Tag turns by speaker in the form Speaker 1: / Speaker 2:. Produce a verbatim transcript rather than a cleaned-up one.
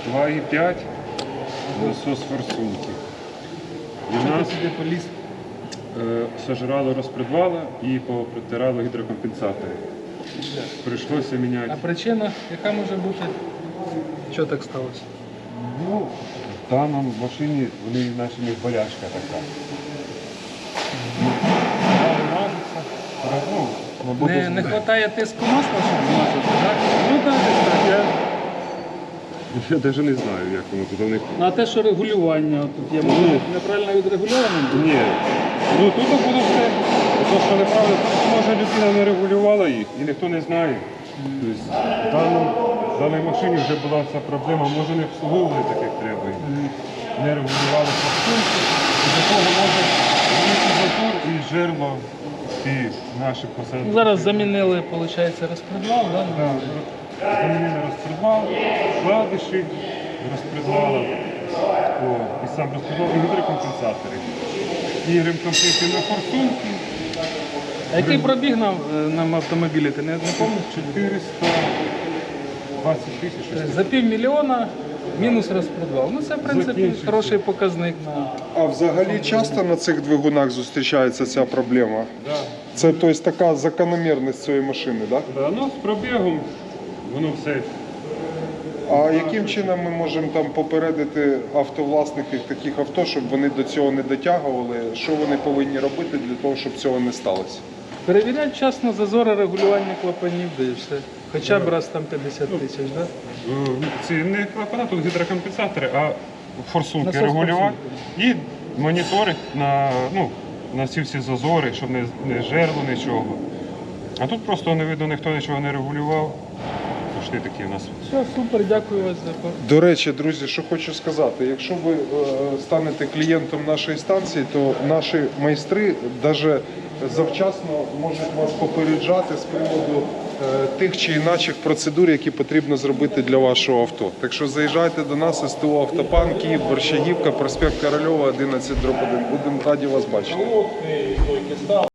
Speaker 1: два і п'ять насос форсунки. І в нас
Speaker 2: сюди поліз?
Speaker 1: е, сожрало розпредвала і попритирало гідрокомпенсатори. Прийшлося міняти.
Speaker 2: А причина, яка може бути? Що так сталося?
Speaker 1: Ну, в даному машині вони наче в них болячка така. Ну, мабуть,
Speaker 2: Не, не вистачає тиску масла, щоб змазати, так?
Speaker 1: Ну так, десь так. Я, я навіть не знаю, як воно тут у них.
Speaker 2: Ну, а те, що регулювання тут є, може
Speaker 1: Ну.
Speaker 2: неправильно відрегульовано?
Speaker 1: Ні. Ну тут було все. Те, що неправильно, просто може людина не регулювала їх і ніхто не знає. Тобто, в, даному, в даній машині вже була ця проблема, може не обслуговували так, як треба. Не регулювали форсунки. І до того може великий затор і жерло ці наші посадки.
Speaker 2: Ну, зараз замінили, виходить, розпредвал, так?
Speaker 1: Да, замінили розпредвал, вкладиші розпредвала, о, і сам розпредвал, і гідрокомпенсатори. І ремкомплектні на форсунки.
Speaker 2: А який пробіг нам, нам автомобілі, ти не, не пам'ятаєш?
Speaker 1: чотириста двадцять тисяч. щось
Speaker 2: За півмільйона мінус розпредвал. Ну це, в принципі,
Speaker 1: Закінчився.
Speaker 2: хороший показник. На...
Speaker 3: А взагалі часто на цих двигунах зустрічається ця проблема?
Speaker 1: Да.
Speaker 3: Це тобто, така закономірність цієї машини, так?
Speaker 1: Да, ну, з пробігом воно все.
Speaker 3: А яким чином ми можемо там попередити автовласників таких авто, щоб вони до цього не дотягували? Що вони повинні робити для того, щоб цього не сталося?
Speaker 2: Перевіряти вчасно зазори регулювання клапанів, де і все. Хоча б раз там п'ятдесят тисяч, так?
Speaker 1: Е, Ці не клапана, тут гідрокомпенсатори, а форсунки
Speaker 2: Насос
Speaker 1: регулювати. І моніторить на, ну, на ці всі зазори, щоб не, не жерло нічого. А тут просто не видно, ніхто нічого не регулював. Пішли такі у нас.
Speaker 2: Все, супер, дякую вас за пор-
Speaker 3: До речі, друзі, що хочу сказати, якщо ви е, станете клієнтом нашої станції, то наші майстри навіть завчасно можуть вас попереджати з приводу е, тих чи інакших процедур, які потрібно зробити для вашого авто. Так що заїжджайте до нас, СТО «Автопан», Київ, Борщагівка, проспект Корольова, одинадцять дроб один. Будемо раді вас бачити.